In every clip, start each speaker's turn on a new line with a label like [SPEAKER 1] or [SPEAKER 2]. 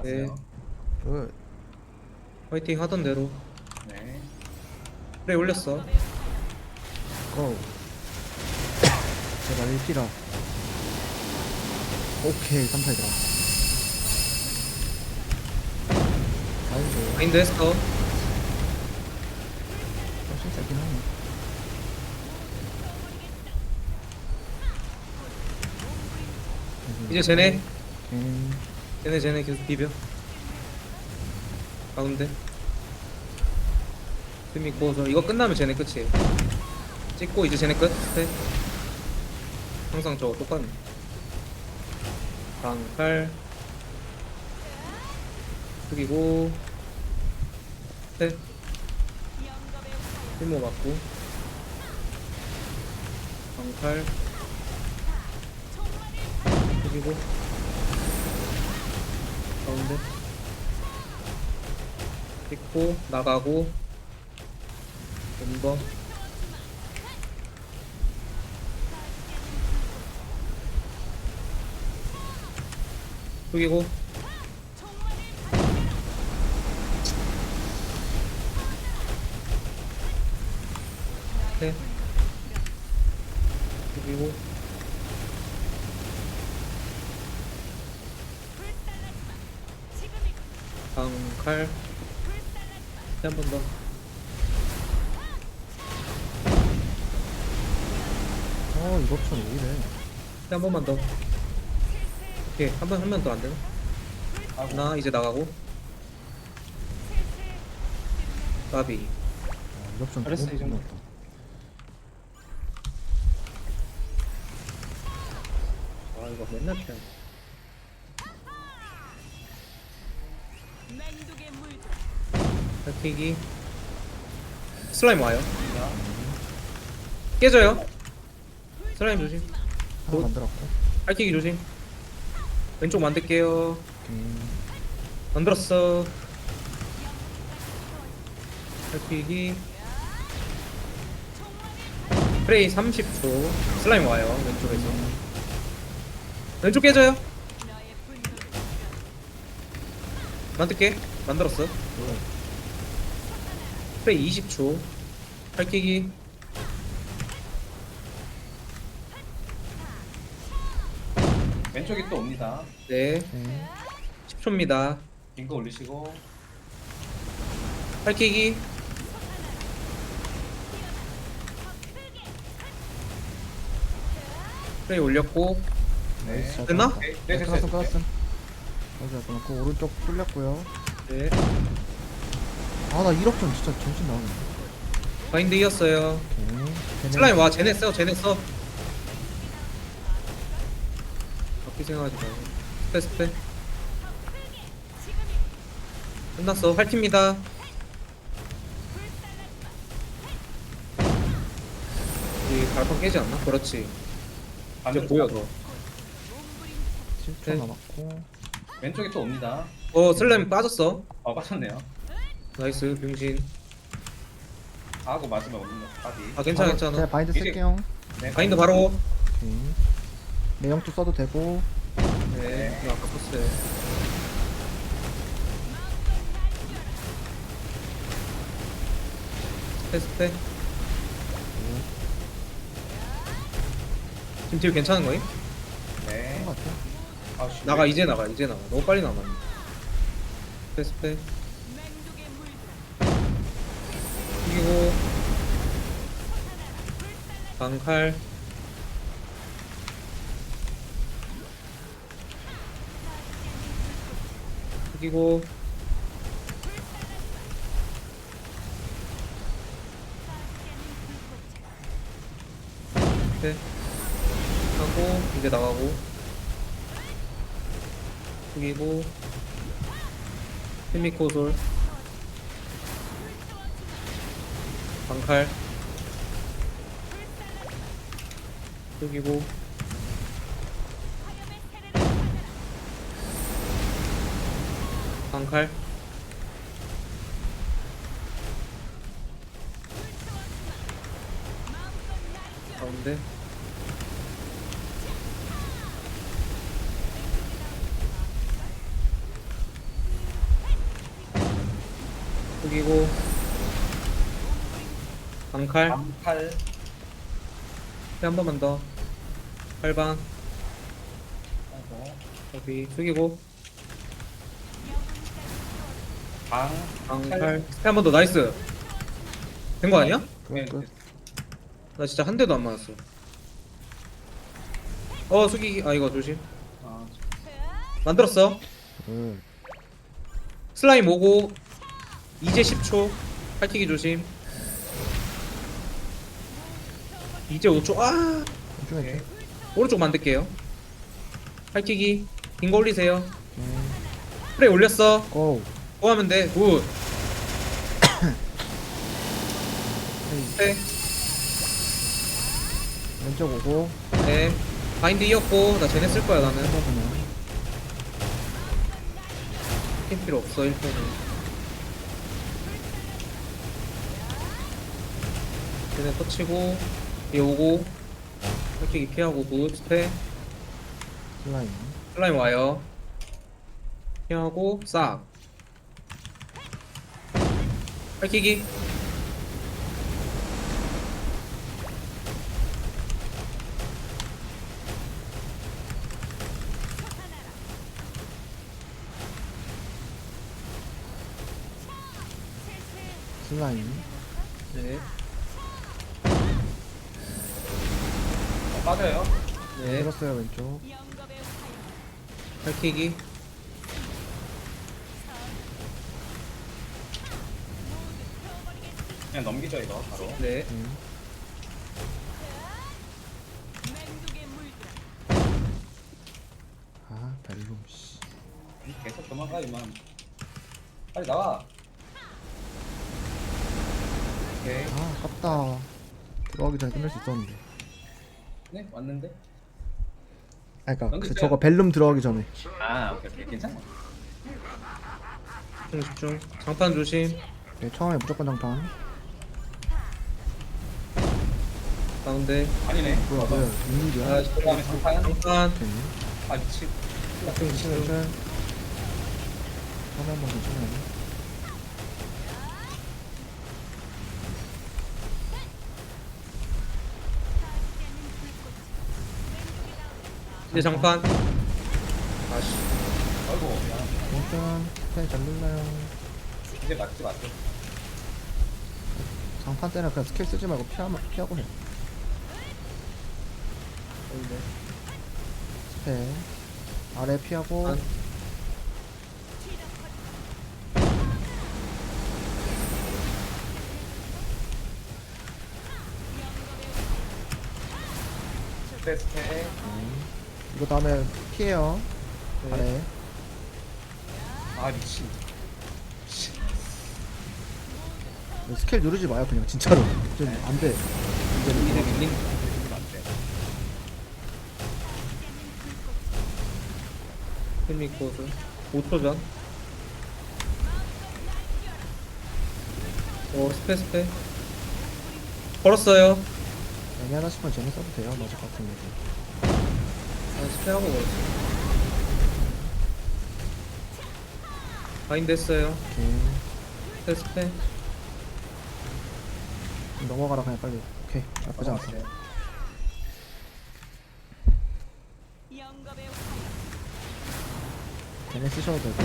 [SPEAKER 1] 나왔어요.
[SPEAKER 2] 굿.
[SPEAKER 3] 화이팅 하던 대로.
[SPEAKER 1] 네.
[SPEAKER 3] 그래 올렸어.
[SPEAKER 2] 고. 제발 1피라. 오케이 3파이 들어. 아이고.
[SPEAKER 3] 마인드 했어.
[SPEAKER 2] 훨씬 세긴 하네.
[SPEAKER 3] 이제 쟤네.
[SPEAKER 2] 오케이.
[SPEAKER 3] 쟤네 계속 비벼. 가운데. 틈 있고 저 이거 끝나면 쟤네 끝이에요. 찍고 이제 쟤네 끝. 네. 항상 저거 똑같네. 방칼. 숙이고. 네. 힐모 맞고. 방칼. 숙이고. 가운데. 찍고 나가고. 멤버. 숙이고. 네. 숙이고. 방칼. 한 번 더.
[SPEAKER 2] 이거 좀 오히려.
[SPEAKER 3] 한 번만 더. 오케이 한 번 더 안 되나?
[SPEAKER 1] 하고.
[SPEAKER 3] 나 이제 나가고. 까비.
[SPEAKER 2] 이거 좀
[SPEAKER 1] 잘했어, 이 정도.
[SPEAKER 2] 끝났다.
[SPEAKER 3] 아 이거 맨날 피하네. 탈튀기. 슬라임 와요. 깨져요. 슬라임 조심.
[SPEAKER 2] 하나 만들었고.
[SPEAKER 3] 탈튀기 조심. 왼쪽 만들게요.
[SPEAKER 2] 오케이.
[SPEAKER 3] 만들었어. 탈튀기. 프레이 30초. 슬라임 와요. 왼쪽에서. 왼쪽 깨져요. 만들게. 만들었어. 프레이 20초. 탈튀기.
[SPEAKER 1] 왼쪽이 또 옵니다.
[SPEAKER 3] 네.
[SPEAKER 2] 오케이.
[SPEAKER 3] 10초입니다.
[SPEAKER 1] 빙거 올리시고.
[SPEAKER 3] 탈튀기. 프레이 올렸고.
[SPEAKER 1] 네.
[SPEAKER 2] 잘
[SPEAKER 3] 됐나?
[SPEAKER 2] 들어갔다.
[SPEAKER 1] 네, 됐어요.
[SPEAKER 2] 끝났어 끝났어. 여기다 끊었고 오른쪽 뚫렸고요.
[SPEAKER 3] 네.
[SPEAKER 2] 아나 1억 전 진짜 정신 나가네.
[SPEAKER 3] 바인드 이었어요.
[SPEAKER 2] 오케이.
[SPEAKER 3] 슬라임 와. 쟤네 써. 쟤네 써. 바퀴 생각하지 마. 스페. 끝났어. 활팁니다. 우리 발판 깨지 않나? 그렇지. 이제
[SPEAKER 1] 반대로
[SPEAKER 3] 보여
[SPEAKER 1] 가고.
[SPEAKER 3] 너.
[SPEAKER 2] 7초
[SPEAKER 3] 네.
[SPEAKER 2] 남았고.
[SPEAKER 1] 왼쪽이 또 옵니다.
[SPEAKER 3] 슬라임 빠졌어.
[SPEAKER 1] 빠졌네요.
[SPEAKER 3] 나이스 병신.
[SPEAKER 1] 하고 맞으면 오는 거. 바디.
[SPEAKER 3] 아 괜찮아
[SPEAKER 2] 제가
[SPEAKER 3] 괜찮아.
[SPEAKER 2] 바인드
[SPEAKER 1] 이제-
[SPEAKER 2] 쓸게요.
[SPEAKER 1] 네.
[SPEAKER 3] 바인드 바로.
[SPEAKER 2] 오케이. 내용도 써도 되고.
[SPEAKER 3] 네. 이거 아까 썼어요. 스페. 지금 딜 괜찮은 거임?
[SPEAKER 1] 네.
[SPEAKER 2] 한것 같아.
[SPEAKER 1] 아, 씨.
[SPEAKER 3] 나가 이제 나가 이제 나가. 너무 빨리 나가. 스페. 이기고 방칼. 이기고 네. 하고 이제 나가고 숙이고 히미코솔 방칼 숙이고 방칼 가운데 숙이고 방칼
[SPEAKER 1] 암칼.
[SPEAKER 3] 한 번만 더 8방
[SPEAKER 1] 아이고.
[SPEAKER 3] 여기 숙이고
[SPEAKER 1] 방.
[SPEAKER 3] 방칼 스페 한 번 더 나이스 된 거 아니야?
[SPEAKER 1] 네.
[SPEAKER 2] 끝.
[SPEAKER 3] 나 진짜 한 대도 안 맞았어 숙이기 아 이거 조심
[SPEAKER 1] 아,
[SPEAKER 3] 만들었어
[SPEAKER 2] 끝.
[SPEAKER 3] 슬라임 오고 이제 10초 팔튀기 조심 이제 5초 아
[SPEAKER 2] 왼쪽 왼쪽.
[SPEAKER 3] 오른쪽 만들게요 팔튀기 긴 거 올리세요
[SPEAKER 2] 오케이.
[SPEAKER 3] 프레이 올렸어
[SPEAKER 2] 고.
[SPEAKER 3] 뭐 하면 돼? 굿
[SPEAKER 2] 헤이.
[SPEAKER 3] 네.
[SPEAKER 2] 왼쪽 오고.
[SPEAKER 3] 네 바인드 이었고 나 쟤네 쓸 거야 나는
[SPEAKER 2] 해보면.
[SPEAKER 3] 팀 필요 없어 1편은 쟤네 터치고 얘 오고 팔튀기 피하고 굿 스페
[SPEAKER 2] 슬라임.
[SPEAKER 3] 슬라임 와요 피하고 싹 팔키기
[SPEAKER 2] 슬라임.
[SPEAKER 3] 네,
[SPEAKER 1] 빠져요.
[SPEAKER 3] 네
[SPEAKER 2] 들었어요 왼쪽.
[SPEAKER 3] 팔키기
[SPEAKER 1] 그냥 넘기죠 이거 바로.
[SPEAKER 3] 네
[SPEAKER 2] 아 벨룸 씨.
[SPEAKER 1] 계속 도망가 이만. 빨리 나와. 오케이.
[SPEAKER 2] 아 아깝다. 들어가기 전에 끝낼 수 있었는데.
[SPEAKER 1] 네 왔는데.
[SPEAKER 2] 아 그니까 그
[SPEAKER 1] 넘기세요.
[SPEAKER 2] 저거 벨룸 들어가기 전에.
[SPEAKER 1] 아 오케이 오케이 괜찮아.
[SPEAKER 3] 집중 장판 조심
[SPEAKER 2] 네, 처음에 무조건 장판.
[SPEAKER 3] 가운데
[SPEAKER 1] 아니네.
[SPEAKER 2] 뭐야 뭐야 웬일이야.
[SPEAKER 3] 아
[SPEAKER 1] 그다음에 장판.
[SPEAKER 3] 장판
[SPEAKER 2] 오케이.
[SPEAKER 1] 아 미친.
[SPEAKER 3] 집중
[SPEAKER 2] 실
[SPEAKER 3] 집중
[SPEAKER 2] 처음에 한번 괜찮아요.
[SPEAKER 3] 이제 장판 아씨
[SPEAKER 1] 아이고 미안.
[SPEAKER 2] 괜찮. 스페 잘 눌러요.
[SPEAKER 1] 이제 맞지 맞지.
[SPEAKER 2] 장판 때는 그냥 스킬 쓰지 말고 피하고 해. 스페 아래 피하고.
[SPEAKER 3] 안.
[SPEAKER 1] 스페.
[SPEAKER 2] 이거 다음에 피해요.
[SPEAKER 3] 네.
[SPEAKER 2] 아래.
[SPEAKER 1] 아 미친.
[SPEAKER 2] 스킬 누르지 마요 그냥 진짜로. 좀 안돼.
[SPEAKER 3] 이제 밀린
[SPEAKER 1] 이러면 안 돼.
[SPEAKER 3] 힐미 코스 5초 전 스페 걸었어요
[SPEAKER 2] 애매하다 싶으면 쟤네 써도 돼요. 맞을 것 같은데.
[SPEAKER 3] 아 스페하고 걸었어 바인드 했어요
[SPEAKER 2] 오케이.
[SPEAKER 3] 스페
[SPEAKER 2] 넘어가라 그냥 빨리. 오케이. 나쁘지 않다.
[SPEAKER 1] 맞아요.
[SPEAKER 2] 걔네 쓰셔도 되고.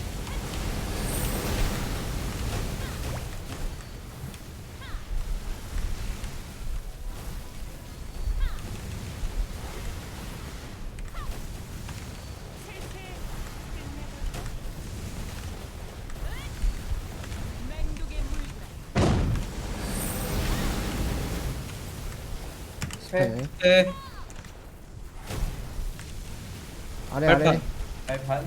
[SPEAKER 1] 스페.
[SPEAKER 2] 스페
[SPEAKER 3] 네
[SPEAKER 2] 아래
[SPEAKER 3] 발판.
[SPEAKER 2] 아래.
[SPEAKER 1] 발판.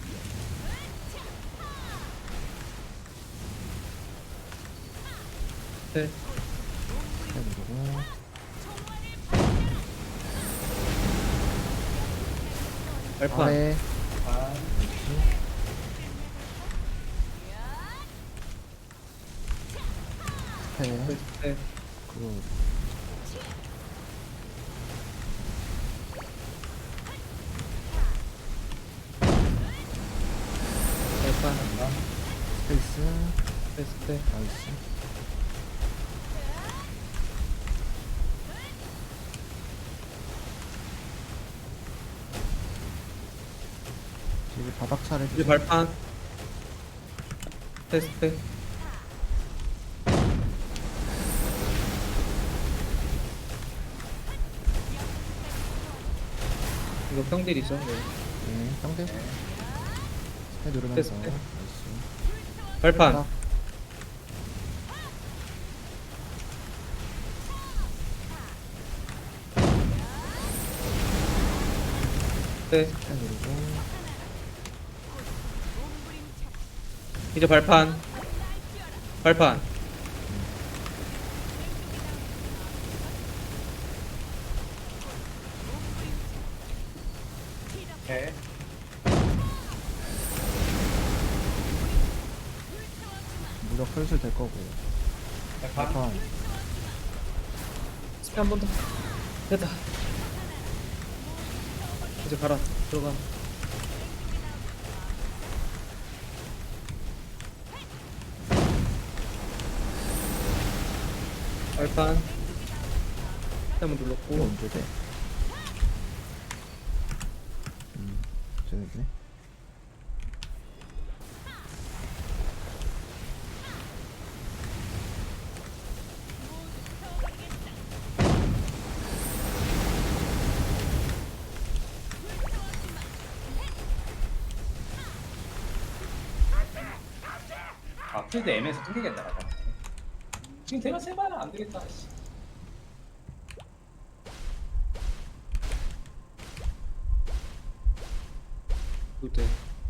[SPEAKER 3] 네
[SPEAKER 2] 스페 누르고.
[SPEAKER 3] 발판
[SPEAKER 2] 아래.
[SPEAKER 1] 반.
[SPEAKER 2] 스페.
[SPEAKER 3] 네
[SPEAKER 2] 그
[SPEAKER 3] 발판
[SPEAKER 2] 스페이스.
[SPEAKER 3] 스페.
[SPEAKER 2] 나이스. 이제 바닥 차례.
[SPEAKER 3] 이제 발판. 스페. 이거 평딜이죠. 네.
[SPEAKER 2] 네, 상대. 스페 누르면서.
[SPEAKER 3] 스페.
[SPEAKER 2] 나이스.
[SPEAKER 3] 발판.
[SPEAKER 2] 바닥.
[SPEAKER 3] 스페.
[SPEAKER 2] 스페 누르고.
[SPEAKER 3] 이제 발판. 발판.
[SPEAKER 1] 오케이.
[SPEAKER 2] 무력 슬슬 될 거고.
[SPEAKER 1] 발판.
[SPEAKER 2] 발판.
[SPEAKER 3] 스페 한 번 더. 됐다. 이제 가라. 들어가. 발판. 한번
[SPEAKER 2] 이거
[SPEAKER 3] 눌렀고.
[SPEAKER 2] 언제 돼? 재밌네.
[SPEAKER 1] 아 필드 M에서 튕기겠다. 나가. 지금 대가 세봐야 안 되겠다. 씨.
[SPEAKER 3] 그때.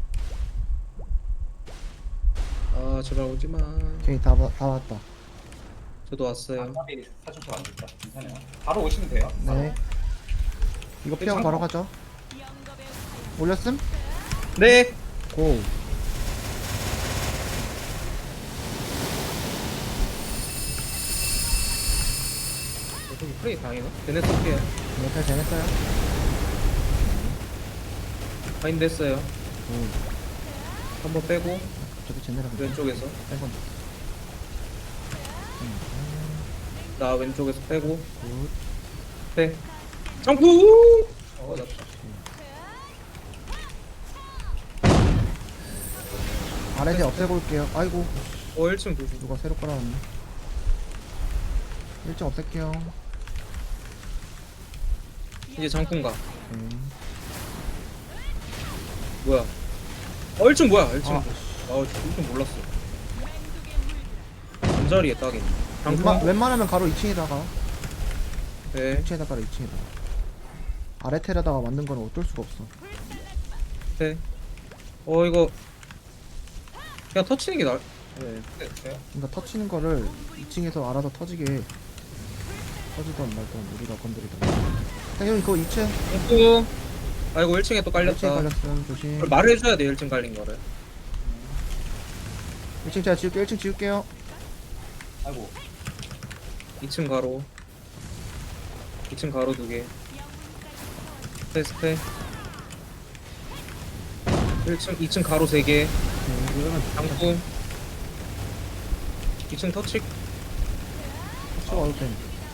[SPEAKER 3] 아 제발 오지마.
[SPEAKER 2] 오케이, 다 왔다.
[SPEAKER 3] 저도 왔어요.
[SPEAKER 1] 아까비 사주도 안 됐다. 괜찮아요. 바로 오시면 돼요.
[SPEAKER 2] 네. 이거 피하고 바로 가죠. 올렸음?
[SPEAKER 3] 네.
[SPEAKER 2] 고.
[SPEAKER 3] 여기 플레이 당해나? 걔네 쓸게요.
[SPEAKER 2] 네, 잘했어요.
[SPEAKER 3] 바인드 했어요.
[SPEAKER 2] 오.
[SPEAKER 3] 한번 빼고
[SPEAKER 2] 저기 쟤네랑
[SPEAKER 3] 왼쪽에서
[SPEAKER 2] 뺀 건데.
[SPEAKER 3] 나 왼쪽에서 빼고
[SPEAKER 2] 굿.
[SPEAKER 3] 빼. 점프.
[SPEAKER 1] 맞았다.
[SPEAKER 2] 아래에 없애고 올게요. 아이고,
[SPEAKER 3] 1층 조심.
[SPEAKER 2] 누가 새로 깔아놨네. 1점 없앨게요.
[SPEAKER 3] 이제 장풍가.
[SPEAKER 2] 오케이.
[SPEAKER 3] 뭐야? 1층 뭐야? 1층.
[SPEAKER 2] 아.
[SPEAKER 3] 아, 1층 몰랐어. 잠자리에 딱이네. 장풍.
[SPEAKER 2] 웬만하면 가로 2층에다가
[SPEAKER 3] 네.
[SPEAKER 2] 2층에다가 2층에다가 아래 텔에다가 만든 거는 어쩔 수가 없어.
[SPEAKER 3] 네. 이거 그냥 터치는 게 나을. 네.
[SPEAKER 1] 됐어요?
[SPEAKER 2] 그러니까 터치는 거를 2층에서 알아서 터지게 터지던 말던 우리가 건드리던. 형 그거 2층
[SPEAKER 3] 장풍. 아이고 1층에 또
[SPEAKER 2] 1층
[SPEAKER 3] 깔렸다.
[SPEAKER 2] 걸렸음. 조심.
[SPEAKER 3] 그걸 말을 해줘야 돼 1층 깔린 거를.
[SPEAKER 2] 1층 제가 지울게요. 1층 지울게요.
[SPEAKER 1] 아이고.
[SPEAKER 3] 2층 가로. 2층 가로 2개. 스페. 1층 2층 가로 3개.
[SPEAKER 2] 네, 이러면
[SPEAKER 3] 장풍. 2층 터치.
[SPEAKER 2] 터치 와도 돼.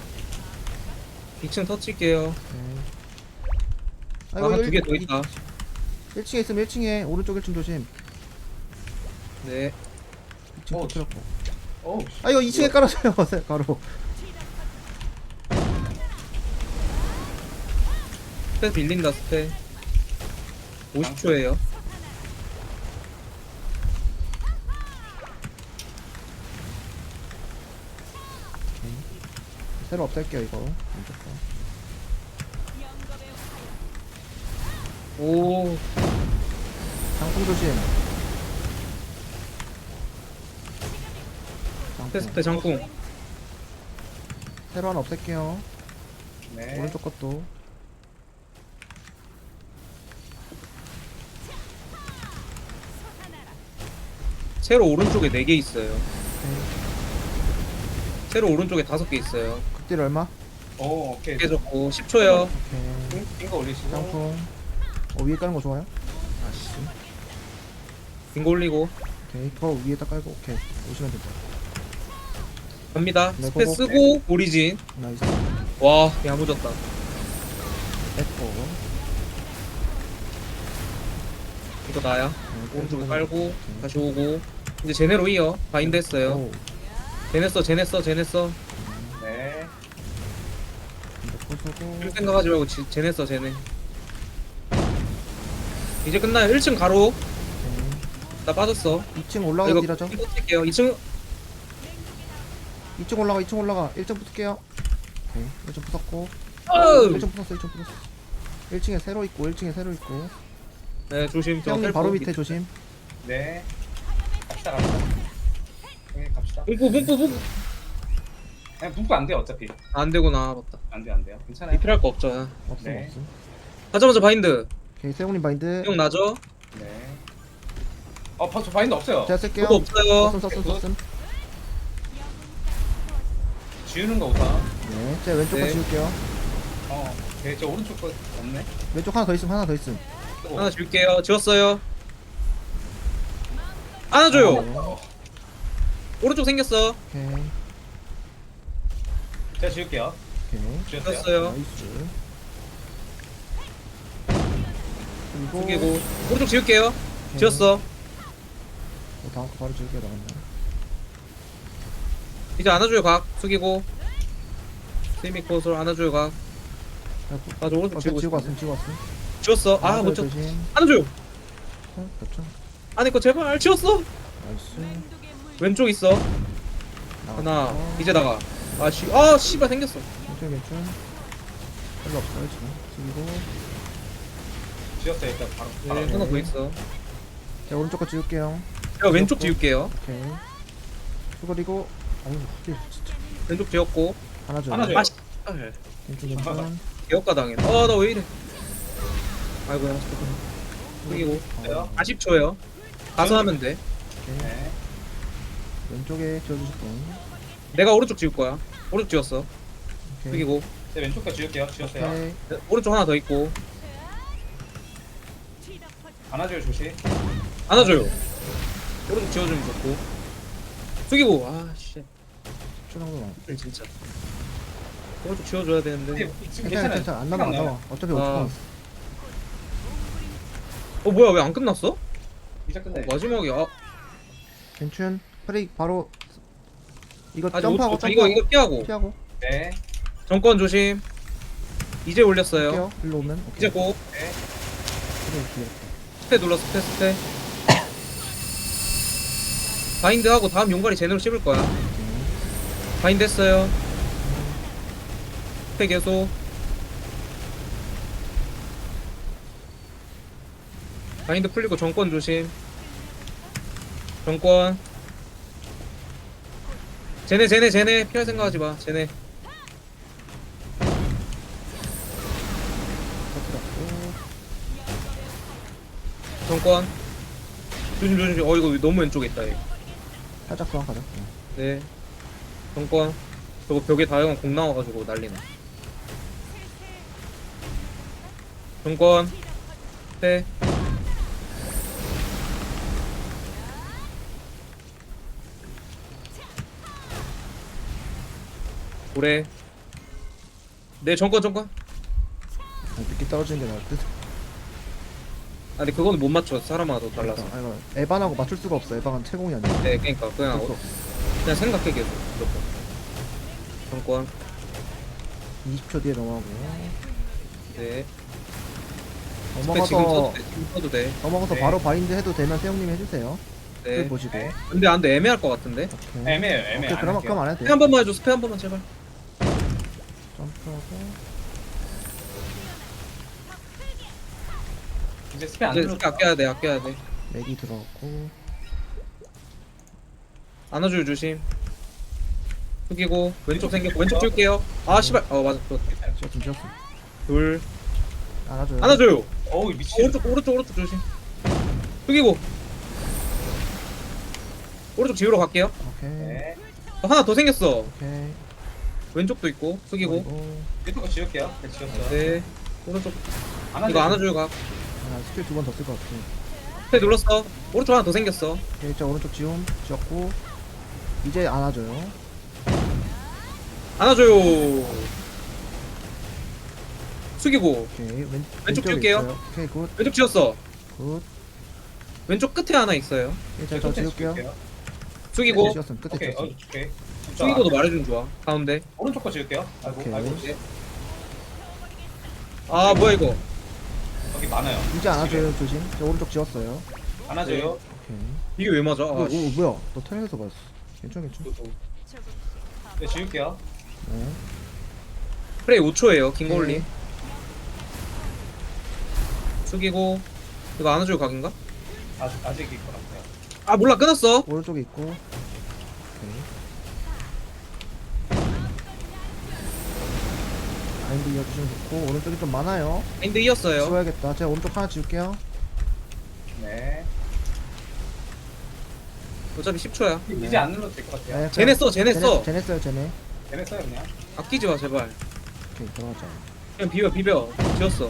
[SPEAKER 3] 2층 터치게요.
[SPEAKER 2] 네.
[SPEAKER 3] 아, 한 2개 더 있다.
[SPEAKER 2] 1층에 있으면 1층에 오른쪽 1층 조심.
[SPEAKER 3] 네.
[SPEAKER 2] 2층
[SPEAKER 1] 어,
[SPEAKER 2] 터트렸고.
[SPEAKER 1] 어우.
[SPEAKER 2] 아 이거 2층에 깔아줘요. 가로.
[SPEAKER 3] 스페 빌린다 스페. 50초에요.
[SPEAKER 2] 새로 없앨게요 이거. 왼쪽 거.
[SPEAKER 3] 오.
[SPEAKER 2] 장풍 조심.
[SPEAKER 3] 스페 장풍.
[SPEAKER 2] 새로 하나 없앨게요.
[SPEAKER 1] 네.
[SPEAKER 2] 오른쪽 것도.
[SPEAKER 3] 세로 오른쪽에 4개 있어요.
[SPEAKER 2] 오케이.
[SPEAKER 3] 세로 오른쪽에 5개 있어요.
[SPEAKER 2] 극딜 얼마?
[SPEAKER 1] 오케이.
[SPEAKER 3] 깨졌고 10초요.
[SPEAKER 2] 오케이.
[SPEAKER 1] 빙거 올리시고.
[SPEAKER 2] 장풍. 위에 까는 거 좋아요? 아씨.
[SPEAKER 3] 빙고 올리고.
[SPEAKER 2] 오케이. 더 위에다 깔고 오케이. 오시면 된다.
[SPEAKER 3] 갑니다.
[SPEAKER 2] 네,
[SPEAKER 3] 스페
[SPEAKER 2] 고고.
[SPEAKER 3] 쓰고 오리진.
[SPEAKER 2] 나이스.
[SPEAKER 3] 와 야무졌다.
[SPEAKER 2] 에코.
[SPEAKER 3] 이거 나야.
[SPEAKER 2] 네,
[SPEAKER 3] 오른쪽에 깔고 다시 오고. 이제 제네로 이어. 바인드 했어요.
[SPEAKER 2] 오.
[SPEAKER 3] 제네 써.
[SPEAKER 1] 네.
[SPEAKER 2] 이거 부수고.
[SPEAKER 3] 할 생각하지 말고 제네 써. 제네. 이제 끝나요. 1층 가로.
[SPEAKER 2] 오케이.
[SPEAKER 3] 나 빠졌어.
[SPEAKER 2] 2층 올라가
[SPEAKER 3] 이거
[SPEAKER 2] 딜하죠.
[SPEAKER 3] 이거 뛸게요. 2층
[SPEAKER 2] 2층 올라가. 2층 올라가. 1층 붙을게요. 오케이. 1층 붙었고.
[SPEAKER 3] 어우!
[SPEAKER 2] 1층 붙었어. 1층 붙었어. 1층에 새로 있고 1층에 새로 있고.
[SPEAKER 3] 네 조심. 저
[SPEAKER 2] 형님
[SPEAKER 3] 셀프
[SPEAKER 2] 바로 밑에 조심.
[SPEAKER 1] 네. 갑시다. 형님 갑시다.
[SPEAKER 3] 뿜뿌.
[SPEAKER 1] 그냥 눕고 안 돼요 어차피.
[SPEAKER 3] 안 되구나. 맞다.
[SPEAKER 1] 안 돼요. 괜찮아요.
[SPEAKER 3] 리필할 거 없죠.
[SPEAKER 2] 없음
[SPEAKER 1] 네.
[SPEAKER 2] 없음.
[SPEAKER 3] 하자마자 바인드.
[SPEAKER 2] 오케이. 세훈님 바인드.
[SPEAKER 3] 형 나죠?
[SPEAKER 1] 네. 저 바인드 없어요.
[SPEAKER 2] 제가 쓸게요.
[SPEAKER 3] 그거 없어요.
[SPEAKER 2] 썼음.
[SPEAKER 1] 지우는 거 우선.
[SPEAKER 2] 네. 제가 왼쪽 거
[SPEAKER 3] 네.
[SPEAKER 2] 지울게요.
[SPEAKER 1] 네, 저 오른쪽 거 없네.
[SPEAKER 2] 왼쪽 하나 더 있음. 하나 더 있음.
[SPEAKER 1] 또.
[SPEAKER 3] 하나 줄게요. 지웠어요. 안아줘요.
[SPEAKER 1] 어,
[SPEAKER 3] 오른쪽 생겼어.
[SPEAKER 2] 오케이.
[SPEAKER 1] 제가 지울게요.
[SPEAKER 2] 오케이.
[SPEAKER 1] 지웠어요.
[SPEAKER 3] 지웠어요.
[SPEAKER 2] 나이스. 그리고
[SPEAKER 3] 숙이고 오른쪽 지울게요.
[SPEAKER 2] 오케이.
[SPEAKER 3] 지웠어.
[SPEAKER 2] 다음 거 바로 지울게요. 나갔네.
[SPEAKER 3] 이제 안아줘요. 각 숙이고 세미코스로 안아줘요. 각. 맞아 오른쪽
[SPEAKER 2] 지우고
[SPEAKER 3] 지우고
[SPEAKER 2] 왔음. 지우고 왔음.
[SPEAKER 3] 지웠어.
[SPEAKER 2] 하나
[SPEAKER 3] 아못
[SPEAKER 2] 더
[SPEAKER 3] 쳤.
[SPEAKER 2] 조심.
[SPEAKER 3] 안아줘요.
[SPEAKER 2] 그렇죠.
[SPEAKER 3] 안에 거 제발 지웠어.
[SPEAKER 2] 나이스.
[SPEAKER 3] 왼쪽 있어. 하나 이제 나가. 아 씨발 생겼어.
[SPEAKER 2] 괜찮. 별로 없어요 지금. 그리고
[SPEAKER 1] 지웠어요 일단 바로.
[SPEAKER 3] 네, 하나 더 있어.
[SPEAKER 2] 제가 오른쪽 거 지울게요.
[SPEAKER 3] 제가 왼쪽 지울게요.
[SPEAKER 2] 오케이. 그리고 어우 진짜
[SPEAKER 3] 왼쪽 지웠고.
[SPEAKER 2] 하나 줘.
[SPEAKER 1] 하나 줘요.
[SPEAKER 3] 아 씨발.
[SPEAKER 2] 괜찮.
[SPEAKER 3] 개혁가 당해. 나 왜 이래? 아이고 야. 숙이고.
[SPEAKER 1] 돼요?
[SPEAKER 3] 40초요. 가서 하면 돼.
[SPEAKER 1] 네.
[SPEAKER 2] 왼쪽에 지워주실 분.
[SPEAKER 3] 내가 오른쪽 지울 거야. 오른쪽 지웠어.
[SPEAKER 2] 오케이.
[SPEAKER 3] 숙이고.
[SPEAKER 1] 제 왼쪽 거 지울게요. 지웠어요.
[SPEAKER 2] 오케이.
[SPEAKER 3] 네, 오른쪽 하나 더 있고.
[SPEAKER 1] 안아줘요 조심.
[SPEAKER 3] 안아줘요. 오른쪽 지워주면 좋고. 숙이고. 아 씨.
[SPEAKER 2] 출렁출렁.
[SPEAKER 3] 진짜. 오른쪽 지워줘야 되는데.
[SPEAKER 1] 지금
[SPEAKER 2] 괜찮아.
[SPEAKER 1] 괜찮아요.
[SPEAKER 2] 안 나와 안 나와. 어차피 5초
[SPEAKER 3] 아.
[SPEAKER 2] 남았어.
[SPEAKER 3] 뭐야 왜 안 끝났어?
[SPEAKER 1] 이제 끝내.
[SPEAKER 3] 마지막이야.
[SPEAKER 2] 괜춘. 프레이 바로 이거
[SPEAKER 3] 아직
[SPEAKER 2] 점프하고
[SPEAKER 3] 5초. 이거 피하고.
[SPEAKER 2] 피하고.
[SPEAKER 1] 네.
[SPEAKER 3] 정권 조심. 이제 올렸어요.
[SPEAKER 2] 할게요. 일로 오면. 오케이.
[SPEAKER 3] 이제 고.
[SPEAKER 1] 네.
[SPEAKER 2] 그래 뒤에.
[SPEAKER 3] 스페 눌러 스페. 바인드 하고 다음 용가리 제대로 씹을 거야. 바인드 했어요. 스페 계속. 바인드 풀리고 정권 조심. 정권. 쟤네 피할 생각하지 마. 쟤네.
[SPEAKER 2] 터트렸고.
[SPEAKER 3] 정권. 조심. 이거 너무 왼쪽에 있다 얘.
[SPEAKER 2] 살짝 소환 가자.
[SPEAKER 3] 네. 정권. 저거 벽에 다영한 공 나와가지고 난리나. 정권. 네. 고래. 네 정권.
[SPEAKER 2] 늦게 떨어지는 게 나을 듯.
[SPEAKER 3] 아 근데 그거는 못 맞춰. 사람마다 더 달라서.
[SPEAKER 2] 아 이거 에반하고 맞출 수가 없어. 에반은 채공이 아니야.
[SPEAKER 3] 네 그러니까 그냥
[SPEAKER 2] 어쩔 수 없어.
[SPEAKER 3] 그냥 생각해 계속 무조건. 정권.
[SPEAKER 2] 20초 뒤에 넘어가고.
[SPEAKER 3] 네.
[SPEAKER 2] 넘어가서
[SPEAKER 3] 지금 써도 돼.
[SPEAKER 2] 넘어가서
[SPEAKER 1] 네.
[SPEAKER 2] 바로 바인드 해도 되면 태용님 해주세요.
[SPEAKER 3] 네.
[SPEAKER 2] 네. 보시고.
[SPEAKER 1] 네.
[SPEAKER 3] 근데 안 돼. 애매할 것 같은데.
[SPEAKER 2] 오케이.
[SPEAKER 1] 애매해요.
[SPEAKER 2] 오케이 그럼 안 해도
[SPEAKER 3] 스페
[SPEAKER 2] 돼.
[SPEAKER 3] 한 번만 해줘. 스페 한 번만 제발.
[SPEAKER 2] 점프하고.
[SPEAKER 1] 이제 스페 안
[SPEAKER 3] 이제
[SPEAKER 1] 눌러.
[SPEAKER 3] 스페 아껴야 돼.
[SPEAKER 2] 맥이 들어갔고.
[SPEAKER 3] 안아줘요 조심. 숙이고 왼쪽 생겼고 왼쪽 줄게요. 아 씨발. 맞아.
[SPEAKER 2] 지었음 지었음.
[SPEAKER 3] 둘.
[SPEAKER 2] 안아줘요.
[SPEAKER 3] 안아줘요.
[SPEAKER 1] 어우 미친.
[SPEAKER 3] 오른쪽 조심. 숙이고. 오른쪽 지우러 갈게요.
[SPEAKER 2] 오케이.
[SPEAKER 1] 네.
[SPEAKER 3] 하나 더 생겼어.
[SPEAKER 2] 오케이.
[SPEAKER 3] 왼쪽도 있고 숙이고.
[SPEAKER 2] 그리고
[SPEAKER 1] 왼쪽 거 지울게요. 네, 지웠어요.
[SPEAKER 3] 네. 오른쪽
[SPEAKER 1] 안아줘요.
[SPEAKER 3] 이거 안아줘요 각.
[SPEAKER 2] 아, 스킬 2번 더 쓸 것 같아.
[SPEAKER 3] 스페 눌렀어. 오른쪽 하나 더 생겼어.
[SPEAKER 2] 오케이, 자 오른쪽 지움 지었고 이제 안아줘요.
[SPEAKER 3] 안아줘요. 숙이고
[SPEAKER 2] 오케이,
[SPEAKER 3] 왼쪽
[SPEAKER 2] 왼쪽에
[SPEAKER 3] 지울게요.
[SPEAKER 2] 있어요. 오케이, 굿,
[SPEAKER 3] 왼쪽 지웠어.
[SPEAKER 2] 굿.
[SPEAKER 3] 왼쪽 끝에 하나 있어요.
[SPEAKER 2] 오케이, 자, 저 지울게요.
[SPEAKER 3] 숙이고
[SPEAKER 2] 지었으면 끝에
[SPEAKER 1] 오케이.
[SPEAKER 2] 지었어.
[SPEAKER 1] 오케이.
[SPEAKER 3] 숙이고도 말해주면 좋아. 가운데.
[SPEAKER 1] 오른쪽 거 지을게요. 아이고
[SPEAKER 2] 오케이.
[SPEAKER 1] 아이고.
[SPEAKER 3] 아 뭐야 이거.
[SPEAKER 1] 여기 많아요.
[SPEAKER 2] 이제 안아줘요, 조심. 저 오른쪽 지웠어요.
[SPEAKER 1] 안아줘요.
[SPEAKER 2] 오케이.
[SPEAKER 3] 이게 왜 맞아?
[SPEAKER 2] 오,
[SPEAKER 3] 아, 씨.
[SPEAKER 2] 뭐야? 너 턴에서 봤어. 괜찮, 괜찮.
[SPEAKER 1] 네, 지울게요.
[SPEAKER 2] 네.
[SPEAKER 3] 프레이 5초예요. 긴 거
[SPEAKER 2] 오케이.
[SPEAKER 3] 올리. 숙이고 이거 안아주고 각인가?
[SPEAKER 1] 아직 있을 것 같아요.
[SPEAKER 3] 아 몰라 끊었어.
[SPEAKER 2] 오른쪽에 있고. 오케이. 마인드 이어주시면 좋고 오른쪽이 좀 많아요.
[SPEAKER 3] 인데 이었어요.
[SPEAKER 2] 지워야겠다. 제가 오른쪽 하나 지울게요.
[SPEAKER 1] 네.
[SPEAKER 3] 어차피 10초야.
[SPEAKER 1] 이제 안 눌러도 될 것 같아요.
[SPEAKER 2] 네,
[SPEAKER 3] 쟤네 써, 쟤네 써.
[SPEAKER 2] 쟤네 써요, 쟤네.
[SPEAKER 1] 걔네 써요 그냥.
[SPEAKER 3] 아끼지 마 제발.
[SPEAKER 2] 오케이, 들어가자.
[SPEAKER 3] 그냥 비벼. 지웠어.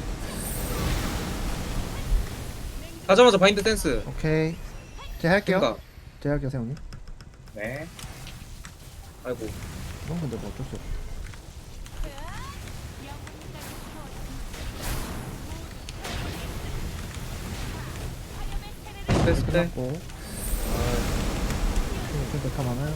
[SPEAKER 3] 가자마자 바인드 댄스.
[SPEAKER 2] 오케이. 제가 할게요.
[SPEAKER 3] 생각.
[SPEAKER 2] 제가 할게요, 세훈님.
[SPEAKER 1] 네.
[SPEAKER 3] 아이고.
[SPEAKER 2] 이건 근데 뭐 어쩔 수 없다.
[SPEAKER 3] 댄스 때.
[SPEAKER 2] 끝났고. 이렇게 메타 많아요.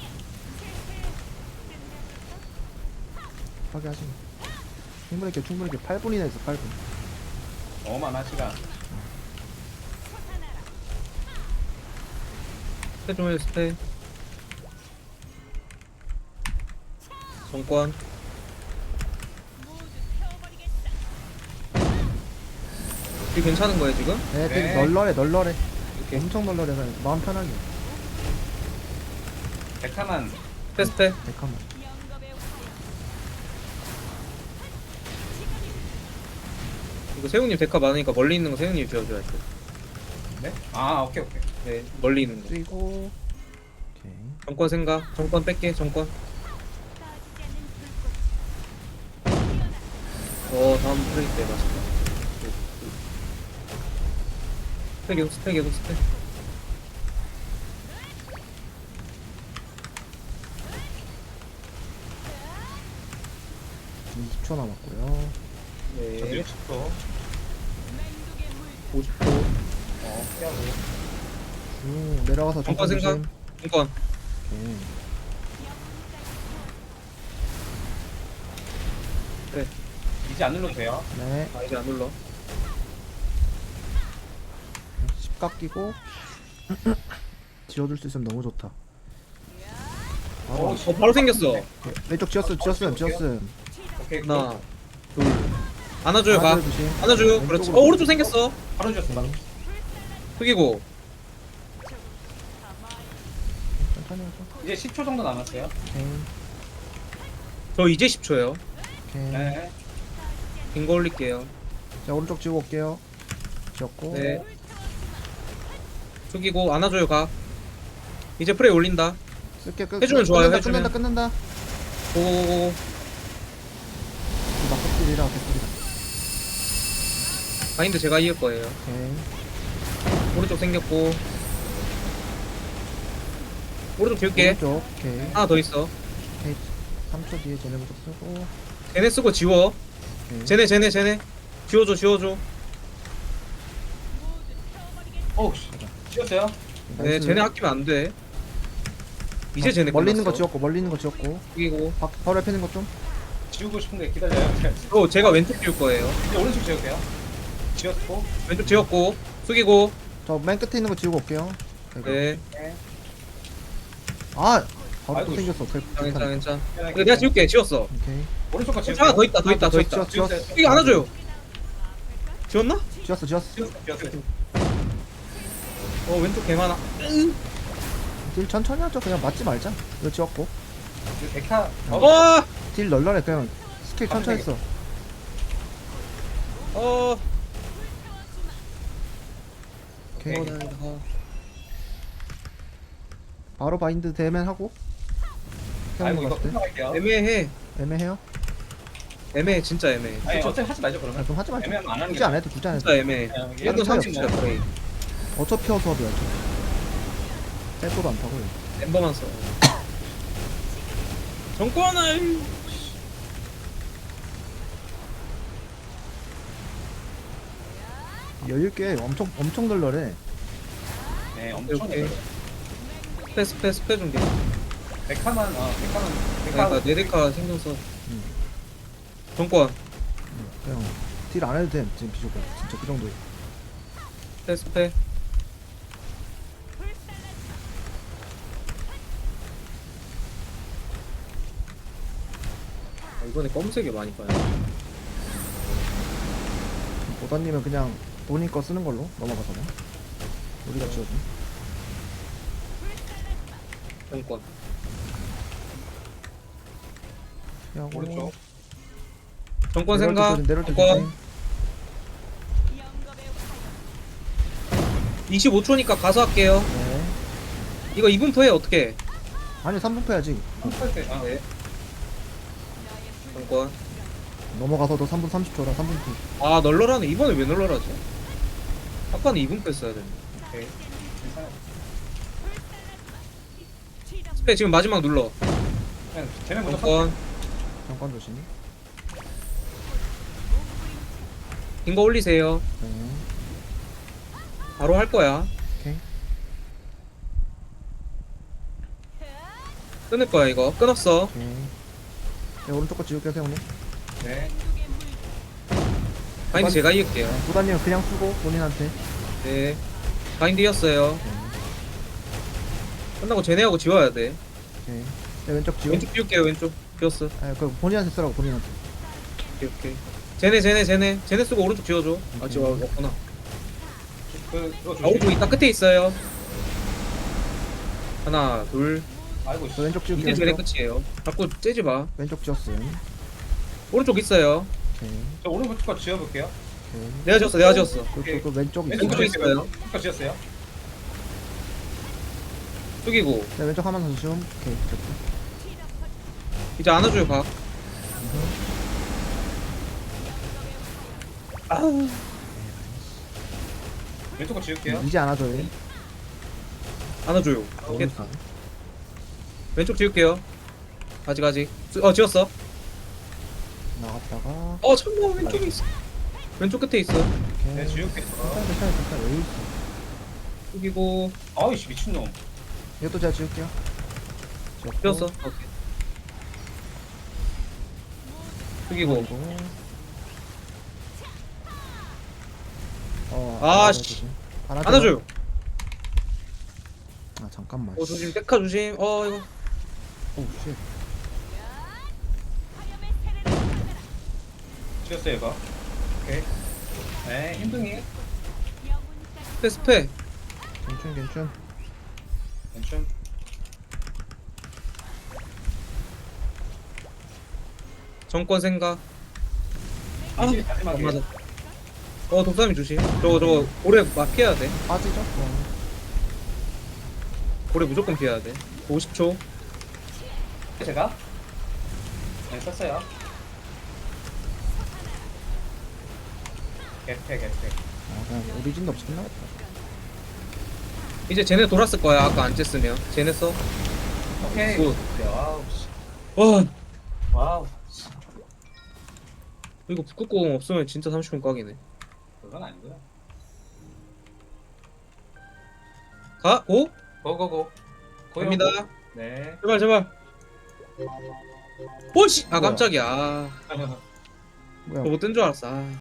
[SPEAKER 2] 파괴하시면. 충분히 이렇게 8분이나 했어, 8분.
[SPEAKER 1] 너무 많아 시간.
[SPEAKER 3] 스테 좀 해요 스테. 정권. 이게 괜찮은 거예요 지금?
[SPEAKER 2] 네, 되게
[SPEAKER 1] 네.
[SPEAKER 2] 널널해.
[SPEAKER 3] 이렇게.
[SPEAKER 2] 엄청 널널해. 그냥 마음 편하게.
[SPEAKER 1] 백화만
[SPEAKER 3] 스테.
[SPEAKER 2] 백화만.
[SPEAKER 3] 이거 세훈님 데카 많으니까 멀리 있는 거 세훈님 지어줘야 돼.
[SPEAKER 1] 네? 아 오케이.
[SPEAKER 3] 네, 멀리 있는 거.
[SPEAKER 2] 그리고 오케이.
[SPEAKER 3] 정권 생각. 정권 뺄게. 정권. 다음 프레이 때 맛있다. 스페 계속 스페.
[SPEAKER 2] 지금 20초 남았고요.
[SPEAKER 1] 저도
[SPEAKER 3] 네.
[SPEAKER 1] 60초.
[SPEAKER 3] 50초.
[SPEAKER 1] 피하고.
[SPEAKER 2] 쭉 내려가서
[SPEAKER 3] 정권
[SPEAKER 2] 조심.
[SPEAKER 3] 생각. 정권.
[SPEAKER 2] 오케이.
[SPEAKER 1] 이제 안 눌러도 돼요.
[SPEAKER 2] 네.
[SPEAKER 3] 아 이제 안 눌러.
[SPEAKER 2] 10각 끼고 지워줄 수 있으면 너무 좋다. 바로
[SPEAKER 3] 바로 생겼어.
[SPEAKER 2] 왼쪽 지었음.
[SPEAKER 1] 오케이.
[SPEAKER 3] 하나, 둘. 안아줘요 가.
[SPEAKER 2] 조심.
[SPEAKER 3] 안아줘요. 그렇지.
[SPEAKER 2] 왼쪽으로.
[SPEAKER 3] 오른쪽 생겼어.
[SPEAKER 1] 바로 줬어. 바로.
[SPEAKER 3] 숙이고.
[SPEAKER 2] 천천히 하죠.
[SPEAKER 1] 이제 10초 정도 남았어요.
[SPEAKER 2] 오케이.
[SPEAKER 3] 저 이제 10초예요.
[SPEAKER 2] 오케이.
[SPEAKER 1] 네.
[SPEAKER 3] 긴 거 올릴게요.
[SPEAKER 2] 자 오른쪽 지우고 올게요. 지웠고.
[SPEAKER 3] 네. 숙이고 안아줘요 가. 이제 프레이 올린다.
[SPEAKER 2] 쓸게 끝.
[SPEAKER 3] 해주면 좋아요, 해주면.
[SPEAKER 2] 끝낸다.
[SPEAKER 3] 고고고고.
[SPEAKER 2] 막급들이라 개꿀이다.
[SPEAKER 3] 바인드 제가 이을 거예요.
[SPEAKER 2] 오케이.
[SPEAKER 3] 오른쪽 생겼고. 오른쪽 지울게.
[SPEAKER 2] 오른쪽. 오케이.
[SPEAKER 3] 하나 더 있어.
[SPEAKER 2] 오케이. 3초 뒤에 쟤네 부터 쓰고.
[SPEAKER 3] 쟤네 쓰고 지워.
[SPEAKER 2] 오케이.
[SPEAKER 3] 쟤네. 지워줘.
[SPEAKER 1] 오, 지웠어요.
[SPEAKER 3] 네,
[SPEAKER 2] 나이스.
[SPEAKER 3] 쟤네 아끼면 안 돼. 이제 쟤네
[SPEAKER 2] 멀리 있는 거
[SPEAKER 3] 끝났어.
[SPEAKER 2] 지웠고 멀리 있는 거 지웠고.
[SPEAKER 3] 숙이고.
[SPEAKER 2] 바로 옆에 있는 거 좀.
[SPEAKER 1] 지우고 싶은데 기다려요.
[SPEAKER 3] 제가 왼쪽 지울 거예요.
[SPEAKER 1] 이제 오른쪽 지울게요. 지웠고.
[SPEAKER 3] 왼쪽 지웠고. 숙이고.
[SPEAKER 2] 저 맨 끝에 있는 거 지우고 올게요. 아이고.
[SPEAKER 3] 네.
[SPEAKER 1] 네.
[SPEAKER 2] 아 바로
[SPEAKER 1] 아이고,
[SPEAKER 2] 또 생겼어.
[SPEAKER 3] 괜찮아. 내가 지울게. 지웠어.
[SPEAKER 2] 오케이.
[SPEAKER 1] 오른쪽 거 지울게요.
[SPEAKER 3] 하나 더 있다.
[SPEAKER 2] 지웠어.
[SPEAKER 3] 숙이 안아줘요. 지웠나?
[SPEAKER 2] 지웠어.
[SPEAKER 1] 지웠어요.
[SPEAKER 3] 왼쪽 개 많아.
[SPEAKER 2] 딜 천천히 하죠. 그냥 맞지 말자. 이거 지웠고.
[SPEAKER 1] 이거 백화.
[SPEAKER 2] 딜 널널해. 그냥 스킬 천천히 했어. 오케이. 바로 바인드 대면 하고.
[SPEAKER 1] 아이고
[SPEAKER 2] 태우는
[SPEAKER 1] 이거
[SPEAKER 2] 거 봤을
[SPEAKER 1] 끝나갈게요.
[SPEAKER 3] 애매해.
[SPEAKER 2] 때 애매해요.
[SPEAKER 3] 진짜 애매해.
[SPEAKER 1] 아니 어차피 하지 말죠
[SPEAKER 2] 아,
[SPEAKER 1] 그러면.
[SPEAKER 2] 그럼 하지 말자.
[SPEAKER 1] 애매하면 안 하는
[SPEAKER 2] 굳이
[SPEAKER 1] 게
[SPEAKER 2] 안 해도 굳이 안 해도.
[SPEAKER 3] 진짜 애매해.
[SPEAKER 1] 그냥
[SPEAKER 3] 얘도
[SPEAKER 2] 상관이
[SPEAKER 3] 30초야 프레이.
[SPEAKER 2] 어차피 어수업이야. 셀프도 안 타고.
[SPEAKER 3] 엠버만 써. 정권을.
[SPEAKER 2] 여유있게 엄청 널널해.
[SPEAKER 1] 네, 엄청
[SPEAKER 3] 오케이. 스페 준비.
[SPEAKER 1] 백화만
[SPEAKER 3] 그러니까 네데카 신경 써. 정권.
[SPEAKER 2] 그냥 딜 안 해도 돼. 지금 비좁아. 진짜 그 정도에.
[SPEAKER 3] 스페. 이번에 검은색이 많이 봐요.
[SPEAKER 2] 보다님은 그냥 본인 거 쓰는 걸로 넘어가잖아. 우리가 지어준.
[SPEAKER 3] 정권.
[SPEAKER 2] 피하고.
[SPEAKER 1] 오른쪽.
[SPEAKER 3] 정권 생각.
[SPEAKER 2] 내려올 때
[SPEAKER 3] 정권.
[SPEAKER 2] 조심.
[SPEAKER 3] 25초니까 가서 할게요.
[SPEAKER 2] 네.
[SPEAKER 3] 이거 2분포 해 어떻게?
[SPEAKER 2] 아니 3분 패야지.
[SPEAKER 1] 할 때. 아,
[SPEAKER 3] 네. 정권.
[SPEAKER 2] 넘어가서도 3분 30초라 3분 후.
[SPEAKER 3] 아 널널하네. 이번에 왜 널널하지? 아까는 2분포 했어야 되는데.
[SPEAKER 1] 오케이. 괜찮아요.
[SPEAKER 3] 스페 지금 마지막 눌러.
[SPEAKER 1] 그냥 쟤네 먼저
[SPEAKER 3] 정권.
[SPEAKER 2] 잠깐 조심.
[SPEAKER 3] 긴 거 올리세요.
[SPEAKER 2] 네.
[SPEAKER 3] 바로 할 거야.
[SPEAKER 2] 오케이.
[SPEAKER 3] 끊을 거야 이거. 끊었어.
[SPEAKER 2] 오케이. 네, 오른쪽 거 지울게요 세훈님.
[SPEAKER 1] 네.
[SPEAKER 3] 바인드 제가 이을게요.
[SPEAKER 2] 보다님은 그냥 쓰고 본인한테.
[SPEAKER 3] 네. 바인드 이었어요.
[SPEAKER 2] 네.
[SPEAKER 3] 끝나고 쟤네하고 지워야 돼.
[SPEAKER 2] 오케이. 네, 왼쪽 지워.
[SPEAKER 3] 왼쪽 비울게요. 왼쪽 비웠어.
[SPEAKER 2] 아, 그 본인한테 쓰라고 본인한테.
[SPEAKER 3] 오케이. 쟤네 쓰고 오른쪽 지워줘. 아 지워 없구나.
[SPEAKER 1] 그거
[SPEAKER 3] 아 오른쪽
[SPEAKER 1] 조심.
[SPEAKER 3] 이따 끝에 있어요. 하나 둘.
[SPEAKER 1] 아이고,
[SPEAKER 2] 저 왼쪽 지울게요.
[SPEAKER 3] 이제 쟤네
[SPEAKER 2] 왼쪽.
[SPEAKER 3] 끝이에요. 자꾸 째지 마.
[SPEAKER 2] 왼쪽 지웠어요.
[SPEAKER 3] 오른쪽 있어요.
[SPEAKER 2] 오케이.
[SPEAKER 1] 저 오른쪽 거 지워볼게요.
[SPEAKER 2] 오케이.
[SPEAKER 3] 내가 지웠어.
[SPEAKER 2] 그 왼쪽
[SPEAKER 1] 왼쪽
[SPEAKER 3] 왼쪽에
[SPEAKER 2] 있어요.
[SPEAKER 3] 있어요.
[SPEAKER 1] 왼쪽 거 지웠어요.
[SPEAKER 3] 숙이고
[SPEAKER 2] 네, 왼쪽 하면서 좀. 오케이. 됐고.
[SPEAKER 3] 이제 안아줘요 각.
[SPEAKER 1] 왼쪽 거 지울게요.
[SPEAKER 2] 이제 안아줘요.
[SPEAKER 3] 안아줘요.
[SPEAKER 2] 너무
[SPEAKER 3] 됐다.
[SPEAKER 2] 세.
[SPEAKER 3] 왼쪽 지울게요. 아직. 지웠어.
[SPEAKER 2] 나갔다가.
[SPEAKER 3] 잠깐만 왼쪽에 있어. 왼쪽 끝에 있어.
[SPEAKER 2] 오케이.
[SPEAKER 1] 네, 지울게요.
[SPEAKER 2] 괜찮아. 여유 있어.
[SPEAKER 3] 숙이고
[SPEAKER 1] 아이씨, 미친놈.
[SPEAKER 2] 이것도 제가 지울게요. 지웠고.
[SPEAKER 3] 지웠어. 오케이. 숙이고
[SPEAKER 2] 그리고.
[SPEAKER 3] 아,
[SPEAKER 2] 안아줘야지.
[SPEAKER 3] 씨. 안아줘요.
[SPEAKER 2] 아 잠깐만.
[SPEAKER 3] 조심. 데카 조심. 이거.
[SPEAKER 2] 오 쉣.
[SPEAKER 1] 지웠어요, 이거. 오케이. 네, 힘둥이.
[SPEAKER 3] 스페.
[SPEAKER 2] 괜춘.
[SPEAKER 1] 괜찮.
[SPEAKER 3] 정권 생각.
[SPEAKER 1] 이제
[SPEAKER 3] 안
[SPEAKER 1] 마지막에.
[SPEAKER 3] 맞아. 독사미 조심. 저거 고래 막 피해야 돼.
[SPEAKER 2] 빠지죠?
[SPEAKER 3] 고래 무조건 피해야 돼. 50초.
[SPEAKER 1] 제가 네, 썼어요. 개패.
[SPEAKER 2] 아 그냥 오리진도 없이 끝나겠다.
[SPEAKER 3] 이제 쟤네 돌았을 거야. 아까 안 쬐으면. 쟤네 써.
[SPEAKER 1] 오케이.
[SPEAKER 3] 굿.
[SPEAKER 1] 와우. 씨.
[SPEAKER 3] 와.
[SPEAKER 1] 와우.
[SPEAKER 3] 이거 북극공 없으면 진짜 30분 꽉이네.
[SPEAKER 1] 그건 아니고요.
[SPEAKER 3] 가. 고.
[SPEAKER 1] 고고고.
[SPEAKER 3] 갑니다.
[SPEAKER 1] 네.
[SPEAKER 3] 제발. 오씨. 아 깜짝이야.
[SPEAKER 2] 뭐야?
[SPEAKER 3] 저거 뜬 줄 알았어.